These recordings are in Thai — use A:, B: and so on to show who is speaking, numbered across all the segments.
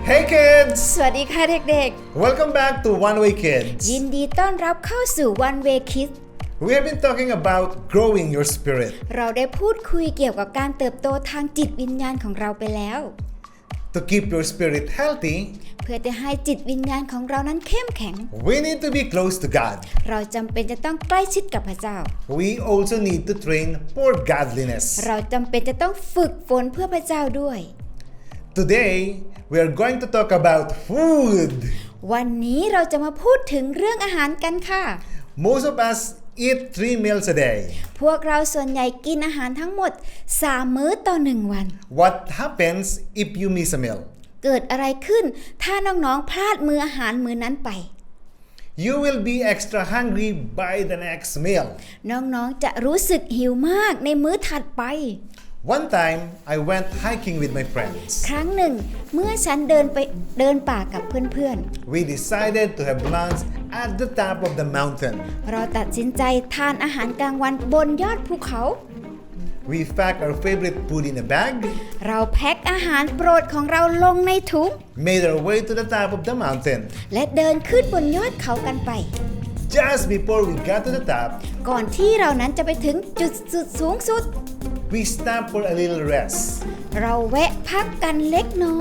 A: Hey kids!
B: สวัสดีค่ะเด็ก
A: Welcome back to One Way Kids.
B: ๆยินดีต้อนรับเข้าสู่ One Way Kids
A: We have been talking about growing your spirit.
B: เราได้พูดคุยเกี่ยวกับการเติบโตทางจิตวิญญาณของเราไปแล้ว
A: To keep your spirit healthy,
B: เพื่อจะให้จิตวิญญาณของเรานั้นเข้มแข็ง
A: we need to be close to God.
B: เราจำเป็นจะต้องใกล้ชิดกับพระเจ้า
A: We also need to train for godliness.
B: เราจำเป็นจะต้องฝึกฝนเพื่อพระเจ้าด้วย
A: Today, we are going to talk about food.
B: วันนี้เราจะมาพูดถึงเรื่องอาหารกันค่ะ
A: Most of us eat 3 meals a day.
B: พวกเราส่วนใหญ่กินอาหารทั้งหมด3 มื้อต่อ1 วัน
A: What happens if you miss a meal?
B: เกิดอะไรขึ้นถ้าน้องๆพลาดมื้ออาหารมื้อนั้นไป
A: You will be extra hungry by the next meal.
B: น้องๆจะรู้สึกหิวมากในมื้อถัดไป
A: One time, I went hiking with my friends.
B: ครั้งหนึ่งเมื่อฉันเดินป่ากับเพื่อน
A: We decided to have lunch at the top of the mountain.
B: ๆเราตัดสินใจทานอาหารกลางวันบนยอดภูเขา
A: We packed our favorite food in a bag,
B: เราแพ็คอาหารโปรดของเราลงในถุง
A: made our way to the top of the mountain.
B: และเดินขึ้นบนยอดเขากันไป
A: Just before we got to the top,
B: ก่อนที่เรานั้นจะไปถึงจุดสุดสูงสุด
A: we stopped for a little rest.
B: เราแวะพักกันเล็กน้อย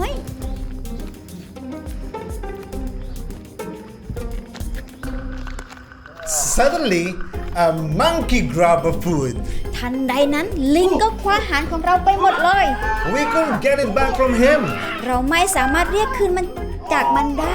A: Suddenly, a monkey grabbed the food.
B: ทันใดนั้นลิงก็คว้าอาหารของเราไปหมดเลย
A: We couldn't get it back from him.
B: เราไม่สามารถเรียกคืนมันจากมันได้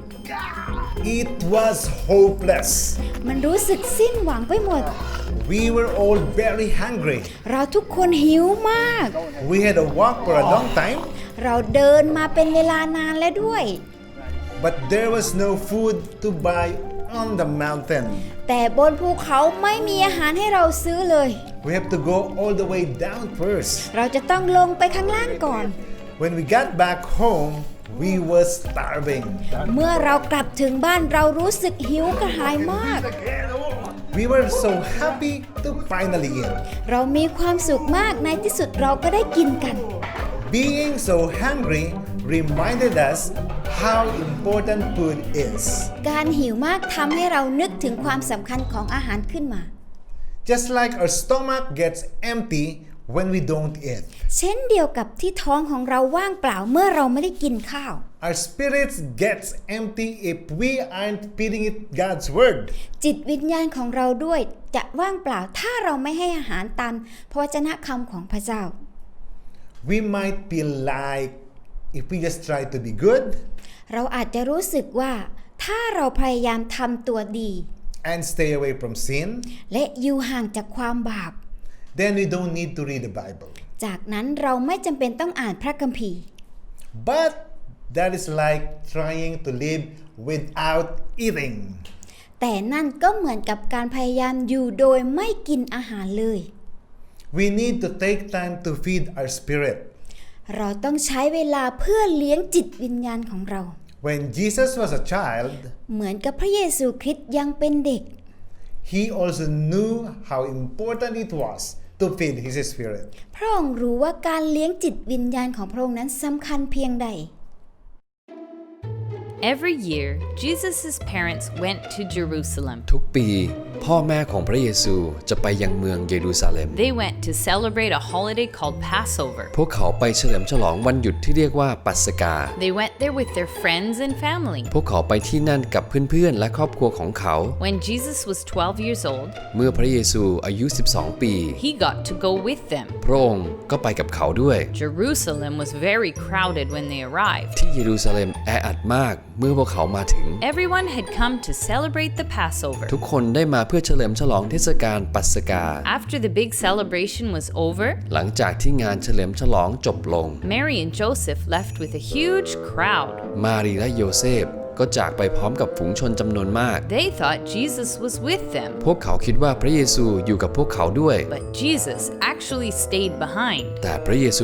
A: It was hopeless.
B: มันรู้สึกสิ้นหวังไปหมด
A: We were all very hungry.
B: เราทุกคนหิวมาก
A: We had to walk for a long time,
B: เราเดินมาเป็นเวลานานแล้วด้วย
A: but there was no food to buy on the mountain.
B: แต่บนภูเขาไม่มีอาหารให้เราซื้อเลย
A: We have to go all the way down first.
B: เราจะต้องลงไปข้างล่างก่อน
A: When we got back home, we were starving.
B: เมื่อเรากลับถึงบ้านเรารู้สึกหิวกระหายมาก
A: We were so happy to finally eat.
B: เรามีความสุขมากในที่สุดเราก็ได้กินกัน
A: Being so hungry reminded us how important food is.
B: การหิวมากทำให้เรานึกถึงความสำคัญของอาหารขึ้นมา
A: Just like our stomach gets empty when we don't eat,
B: เช่นเดียวกับที่ท้องของเราว่างเปล่าเมื่อเราไม่ได้กินข้าว
A: our spirits gets empty if we aren't feeding it God's word.
B: จิตวิญญาณของเราด้วยจะว่างเปล่าถ้าเราไม่ให้อาหารตามพระวจนะคำของพระเจ้า
A: We might feel like if we just try to be good
B: เราอาจจะรู้สึกว่าถ้าเราพยายามทำตัวดี
A: and stay away from sin,
B: และอยู่ห่างจากความบาป
A: then we don't need to read the Bible.
B: จากนั้นเราไม่จำเป็นต้องอ่านพระคัมภีร์
A: But that is like trying to live without eating.
B: แต่นั่นก็เหมือนกับการพยายามอยู่โดยไม่กินอาหารเลย
A: We need to take time to feed our spirit.
B: เราต้องใช้เวลาเพื่อเลี้ยงจิตวิญญาณของเรา
A: When Jesus was a child,
B: เหมือนกับพระเยซูคริสต์ยังเป็นเด็ก
A: he also knew how important it was to feed his spirit.
B: พระองค์รู้ว่าการเลี้ยงจิตวิญญาณของพระองค์นั้นสำคัญเพียงใด
C: Every year, Jesus' parents went to Jerusalem.
D: ทุกปีพ่อแม่ของพระเยซูจะไปยังเมืองเยรูซาเล็ม
C: They went to celebrate a holiday called Passover.
D: พวกเขาไปเฉลิมฉลองวันหยุดที่เรียกว่าปัสกา
C: They went there with their friends and family.
D: พวกเขาไปที่นั่นกับเพื่อนๆและครอบครัวของเขา
C: When Jesus was 12 years old,
D: เมื่อพระเยซูอายุ 12 ปี
C: he got to go with them.
D: พระองค์ก็ไปกับเขาด้วย
C: Jerusalem was very crowded when they arrived.
D: ที่เยรูซาเล็มแออัดมากเมื่อพวกเขามาถึง
C: Everyone had come to celebrate the Passover.
D: ทุกคนได้มาเพื่อเฉลิมฉลองเทศกาลปัสกา
C: After the big celebration was over,
D: หลังจากที่งานเฉลิมฉลองจบลง
C: Mary and Joseph left with a huge crowd.
D: มารีและโยเซฟก็จากไปพร้อมกับฝูงชนจำนวนมาก
C: They thought Jesus was with them,
D: พวกเขาคิดว่าพระเยซูอยู่กับพวกเขาด้วย
C: but Jesus actually stayed behind.
D: แต่พระเยซูคริสต์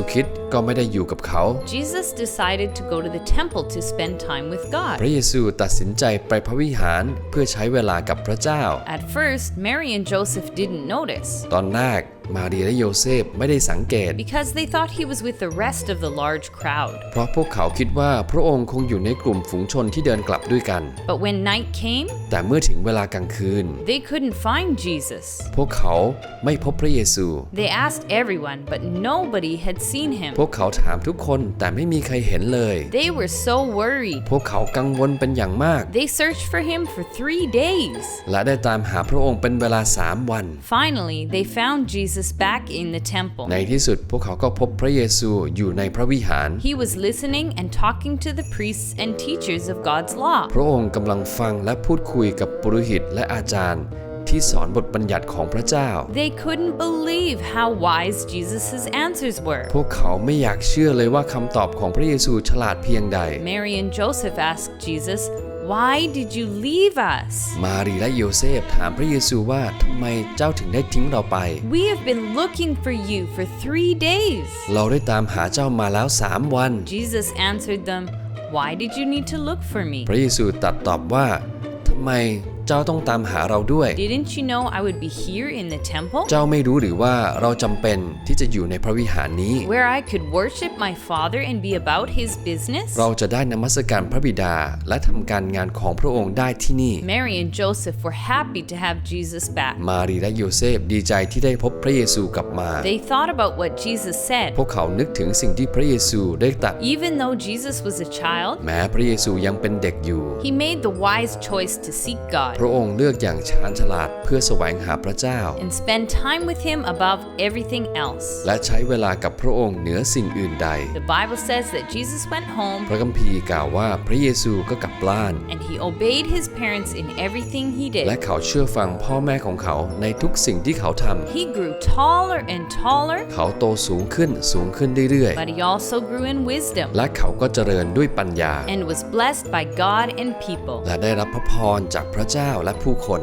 D: ก็ไม่ได้อยู่กับเขา
C: Jesus decided to go to the temple to spend time with
D: พ
C: God.
D: ระเยซูตัดสินใจไปพระวิหารเพื่อใช้เวลากับพระเจ้า
C: At first, Mary and Joseph didn't notice
D: ตอนแรกมารีและโยเซฟไม่ได้สังเกต
C: because they thought he was with the rest of the large crowd.
D: เพราะพวกเขาคิดว่าพระองค์คงอยู่ในกลุ่มฝูงชนที่เดินกลับด้วยกัน
C: But when night came,
D: แต่เมื่อถึงเวลากลางคืน
C: they couldn't find Jesus.
D: พวกเขาไม่พบพระเยซู
C: They asked everyone, but nobody had seen him.
D: พวกเขาถามทุกคนแต่ไม่มีใครเห็นเลย
C: They were so worried.
D: พวกเขากังวลเป็นอย่างมาก
C: They searched for him for 3 days.
D: และได้ตามหาพระองค์เป็นเวลา3 วัน
C: Finally, they found Jesus back in the temple.
D: ในที่สุดพวกเขาก็พบพระเยซูอยู่ในพระวิหาร
C: He was listening and talking to the priests and teachers of God's law.
D: พระองค์กำลังฟังและพูดคุยกับปุโรหิตและอาจารย์ที่สอนบทบัญญัติของพระเจ้า
C: They couldn't believe how wise Jesus' answers were.
D: พวกเขาไม่อยากเชื่อเลยว่าคำตอบของพระเยซูฉลาดเพียงใด
C: Mary and Joseph asked Jesus, "Why did you leave us?
D: มารีและโยเซฟถามพระเยซูว่าทำไมเจ้าถึงได้ทิ้งเราไป
C: We have been looking for you for 3 days."
D: เราได้ตามหาเจ้ามาแล้ว3 วัน
C: Jesus answered them, "Why did you need to look for me?
D: พระเยซูตรัสตอบว่าทำไมเจ้าต้องตามหาเราด้วย
C: Didn't you know I would be here in the temple,
D: เจ้าไม่รู้หรือว่าเราจำเป็นที่จะอยู่ในพระวิหารนี้
C: where I could worship my Father and be about his business?"
D: เราจะได้นมัสการพระบิดาและทำการงานของพระองค์ได้ที่นี่
C: Mary and Joseph were happy to have Jesus back.
D: มารีและโยเซฟดีใจที่ได้พบพระเยซูกลับมา
C: They thought about what Jesus
D: พ
C: said.
D: วกเขานึกถึงสิ่งที่พระเยซูได้ตรัส
C: Even though Jesus was a child,
D: แม้พระเยซูยังเป็นเด็กอยู่
C: he made the wise choice to seek
D: พระ
C: God
D: องค์เลือกอย่างชาญฉลาดเพื่อแสวงหาพระเจ้า
C: and spend time with him above everything else.
D: และใช้เวลากับพระองค์เหนือสิ่งอื่นใด
C: The Bible says that Jesus went
D: พ
C: home
D: ระคัมภีร์กล่าวว่าพระเยซูก็กลับบ้าน
C: and he obeyed his parents in everything he
D: และ
C: did.
D: เขาเชื่อฟังพ่อแม่ของเขาในทุกสิ่งที่เขาท
C: He grew taller and taller,
D: ำเขาโตสูงขึ้นเรื่อย
C: but he also grew in
D: ๆ
C: wisdom
D: และเขาก็เจริญด้วยปัญญา
C: and was blessed by God and people.
D: และได้รับพระพรจากพระเจ้าและผู้คน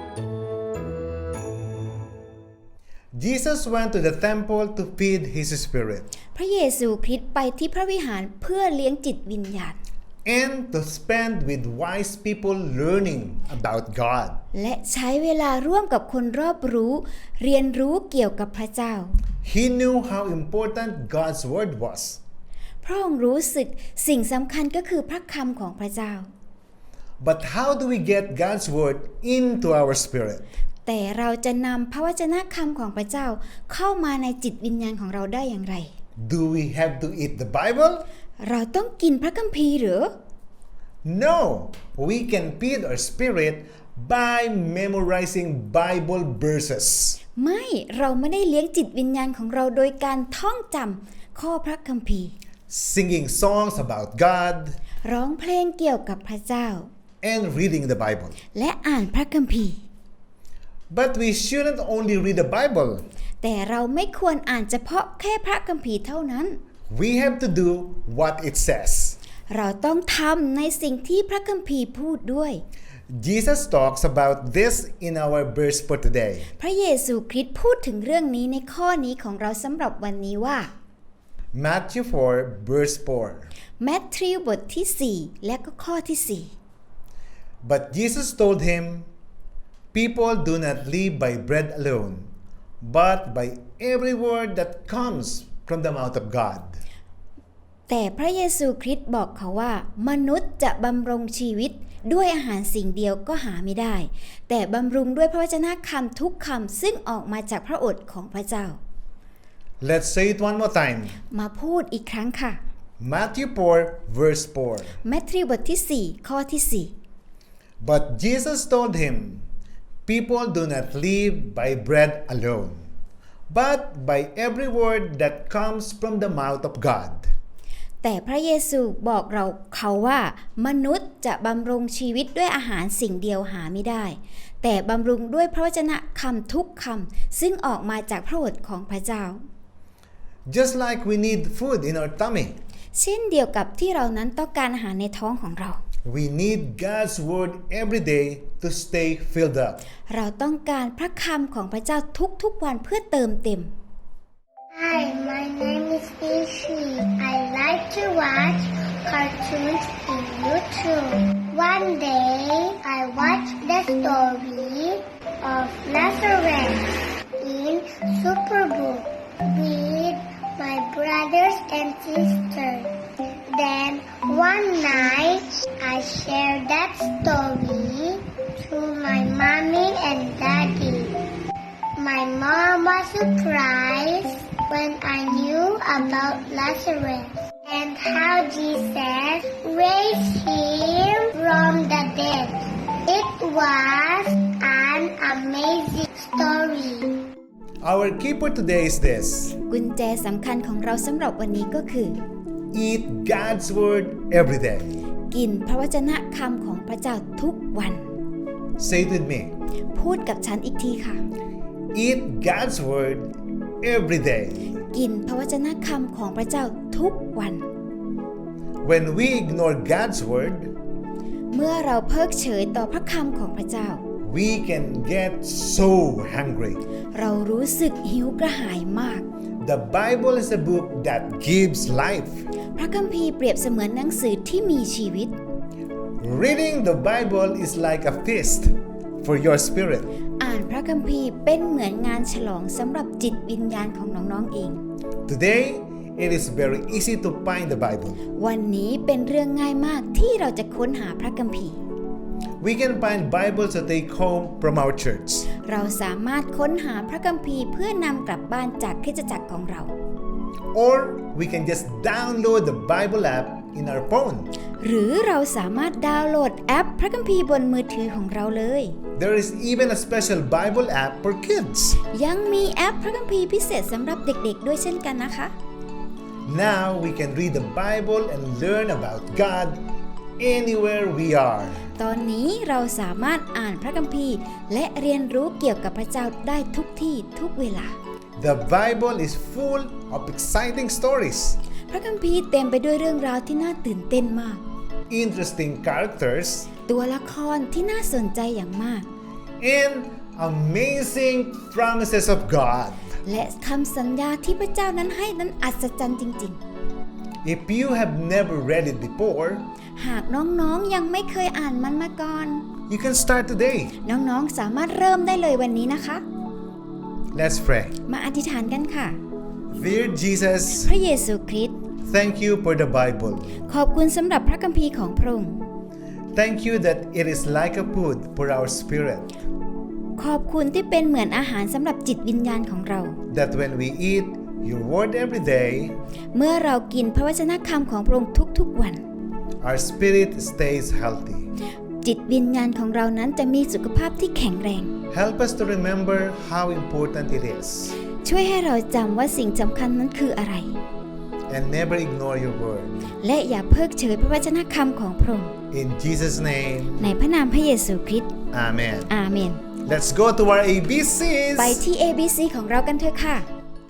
A: Jesus went to the temple to feed his spirit
B: พระเยซูคริสต์ไปที่พระวิหารเพื่อเลี้ยงจิตวิญญาณ
A: and to spend with wise people learning about God.
B: และใช้เวลาร่วมกับคนรอบรู้ เรียนรู้เกี่ยวกับพระเจ้า
A: He knew how important God's word was.
B: พระองค์รู้สึกสิ่งสำคัญก็คือพระคำของพระเจ้า
A: But how do we get God's word into our spirit?
B: แต่เราจะนำพระวจนะคำของพระเจ้าเข้ามาในจิตวิญญาณของเราได้อย่างไร
A: Do we have to eat the Bible?
B: เราต้องกินพระคัมภีร์หรือ
A: No, we can feed our spirit by memorizing Bible verses.
B: ไม่เราไม่ได้เลี้ยงจิตวิญญาณของเราโดยการท่องจำข้อพระคัมภีร์
A: Singing songs about God
B: ร้องเพลงเกี่ยวกับพระเจ้า
A: and reading the Bible.
B: และอ่านพระคัมภีร์
A: But we shouldn't only read the Bible.
B: แต่เราไม่ควรอ่านเฉพาะแค่พระคัมภีร์เท่านั้น
A: We have to do what it says.
B: เราต้องทำในสิ่งที่พระคัมภีร์พูดด้วย
A: Jesus talks about this in our verse for today.
B: พระเยซูคริสต์พูดถึงเรื่องนี้ในข้อนี้ของเราสำหรับวันนี้ว่า
A: Matthew 4, verse 4.
B: แมทธิวบทที่ 4 และก็ข้อที่
A: But Jesus told him, People do not live by bread alone, but by every word that comes from the mouth of God.
B: 4 แต่พระเยซูคริสต์บอกเขาว่า มนุษย์จะบำรงชีวิตด้วยอาหารสิ่งเดียวก็หาไม่ได้ แต่บำรุงด้วยพระวจนะคำทุกคำซึ่งออกมาจากพระโอษฐ์ของพระเจ้า
A: Let's say it one more time.
B: มาพูดอีกครั้งค่ะ
A: Matthew 4, verse 4.
B: แมทธิวบทที่ 4 ข้อที่
A: But Jesus told him, People do not live by bread alone, but by every word that comes from the mouth of God.
B: 4 แต่พระเยซูบอกเขาว่ามนุษย์จะบำรุงชีวิตด้วยอาหารสิ่งเดียวหาไม่ได้ แต่บำรุงด้วยพระวจนะคำทุกคำซึ่งออกมาจากพระโอษฐ์ของพระเจ้า
A: Just like we need food in our tummy,
B: เช่นเดียวกับที่เรานั้นต้องการอาหารในท้องของเรา
A: we need God's word every day to stay filled up.
B: เราต้องการพระคำของพระเจ้าทุกๆวันเพื่อเติมเต็ม
E: Hi, my name is easy. I like to watch cartoons in YouTube. One day, I watched the story of Lazarus in Superbook with my brothers and sisters. Then one night, I shared that story to my mommy and daddy. My mom was surprised when I knew about Lazarus and how Jesus raised him from the dead. It was an amazing story.
A: Our key for today is this:
B: กุญแจสำคัญของเราสำหรับวันนี้ก็คือ
A: eat God's word every day.
B: กินพระวจนะคำของพระเจ้าทุกวัน
A: Say it with me.
B: พูดกับฉันอีกทีค่ะ
A: Eat God's word every day.
B: กินพระวจนะคำของพระเจ้าทุกวัน
A: When we ignore God's word,
B: เมื่อเราเพิกเฉยต่อพระคำของพระเจ้า
A: we can get so hungry.
B: เรารู้สึกหิวกระหายมาก
A: The Bible is a book that gives life.
B: พระคัมภีร์เปรียบเสมือนหนังสือที่มีชีวิต
A: Reading the Bible is like a feast for your spirit.
B: อ่านพระคัมภีร์เป็นเหมือนงานฉลองสำหรับจิตวิญญาณของน้องๆเอง
A: Today, it is very easy to find the Bible.
B: วันนี้เป็นเรื่องง่ายมากที่เราจะค้นหาพระคัมภีร์
A: We can find Bibles to take home from our church.
B: เราสามารถค้นหาพระคัมภีร์เพื่อนำกลับบ้านจากคริสตจักรของเรา
A: Or we can just download the Bible app in our phone.
B: หรือเราสามารถดาวน์โหลดแอปพระคัมภีร์บนมือถือของเราเลย
A: There is even a special Bible app for kids.
B: ยังมีแอปพระคัมภีร์พิเศษสำหรับเด็กๆด้วยเช่นกันนะคะ
A: Now we can read the Bible and learn about God anywhere we are.
B: ตอนนี้เราสามารถอ่านพระคัมภีร์และเรียนรู้เกี่ยวกับพระเจ้าได้ทุกที่ทุกเวลา
A: The Bible is full of exciting stories,
B: พระคัมภีร์เต็มไปด้วยเรื่องราวที่น่าตื่นเต้นมาก
A: interesting characters,
B: ตัวละครที่น่าสนใจอย่างมาก
A: and amazing promises of God.
B: และคำสัญญาที่พระเจ้านั้นให้นั้นอัศจรรย์จริง
A: If you have never read it before,
B: ๆ หากน้องๆยังไม่เคยอ่านมันมาก่อน
A: you can start today.
B: น้องๆสามารถเริ่มได้เลยวันนี้นะคะ
A: Let's pray.
B: มาอธิษฐานกันค่ะ
A: Dear Jesus,
B: พระเยซูคริสต์
A: thank you for the Bible.
B: ขอบคุณสำหรับพระคัมภีร์ของพระองค์
A: Thank you that it is like a food for our spirit.
B: ขอบคุณที่เป็นเหมือนอาหารสำหรับจิตวิญญาณของเรา
A: That when we eat your word every day,
B: เมื่อเรากินพระวจนะคำของพระองค์ทุกๆวัน
A: our spirit stays healthy.
B: จิตวิญญาณของเรานั้นจะมีสุขภาพที่แข็งแรง
A: Help us to remember how important it is
B: ช่วยให้เราจำว่าสิ่งสำคัญนั้นคืออะไร
A: and never ignore your word.
B: และอย่าเพิกเฉยพระวจนะคำของพระองค์
A: In Jesus' name,
B: ในพระนามพระเยซูคริสต์
A: Amen.
B: อาเมน
A: Let's go to our ABCs.
B: ไปที่ ABC ของเรากันเถอะค่ะ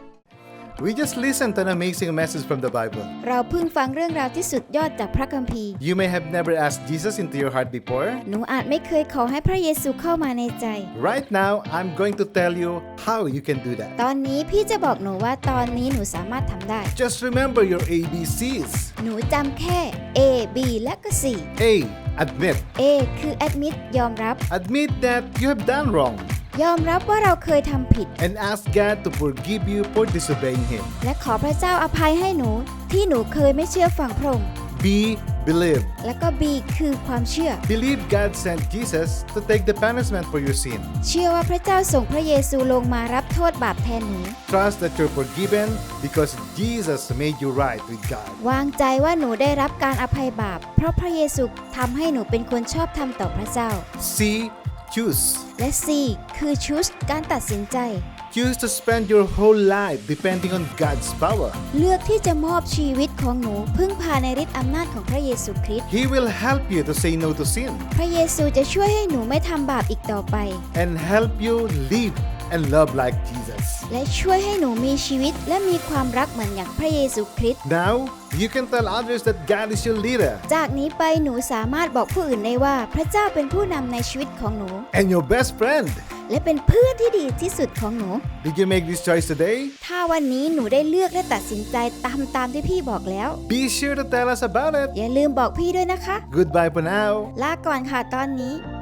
A: We just listened to an amazing message from the Bible.
B: เราเพิ่งฟังเรื่องราวที่สุดยอดจากพระคัมภีร์
A: You may have never asked Jesus into your heart before.
B: หนูอาจไม่เคยขอให้พระเยซูเข้ามาในใจ
A: Right now, I'm going to tell you how you can do that.
B: ตอนนี้พี่จะบอกหนูว่าตอนนี้หนูสามารถทำได้
A: Just remember your ABCs.
B: หนูจำแค่ A B และก็ C
A: A. Admit.
B: A คือ admit ยอมรับ
A: Admit that you have done wrong
B: ยอมรับว่าเราเคยทำผิด
A: and ask God to forgive you for disobeying Him.
B: และขอพระเจ้าอภัยให้หนูที่หนูเคยไม่เชื่อฟังพระองค์
A: B. Believe.
B: และก็ B คือความเชื่อ
A: Believe God sent Jesus to take the punishment for your sin.
B: เชื่อว่าพระเจ้าส่งพระเยซูลงมารับโทษบาปแทนหนู
A: Trust that you're forgiven because Jesus made you right with God.
B: วางใจว่าหนูได้รับการอภัยบาปเพราะพระเยซูทำให้หนูเป็นคนชอบธรรมต่อพระเจ้า
A: C. Choose.
B: และ C คือ choose การตัดสินใจ
A: Choose to spend your whole life depending on God's power.
B: เลือกที่จะมอบชีวิตของหนูพึ่งพาในฤทธิ์อำนาจของพระเยซูคริสต์
A: He will help you to say no to sin
B: พระเยซูจะช่วยให้หนูไม่ทำบาปอีกต่อไป
A: and help you live and love like Jesus.
B: และช่วยให้หนูมีชีวิตและมีความรักเหมือนอย่างพระเยซูคริสต์
A: Now, you can tell others that God is your leader
B: จากนี้ไปหนูสามารถบอกผู้อื่นได้ว่าพระเจ้าเป็นผู้นำในชีวิตของหนู
A: and your best friend.
B: และเป็นเพื่อนที่ดีที่สุดของหนู
A: Did you make this choice today?
B: ถ้าวันนี้หนูได้เลือกและตัดสินใจตามที่พี่บอกแล้ว
A: Be sure to tell us about it.
B: อย่าลืมบอกพี่ด้วยนะคะ
A: Goodbye for now.
B: ลาก่อนค่ะตอนนี้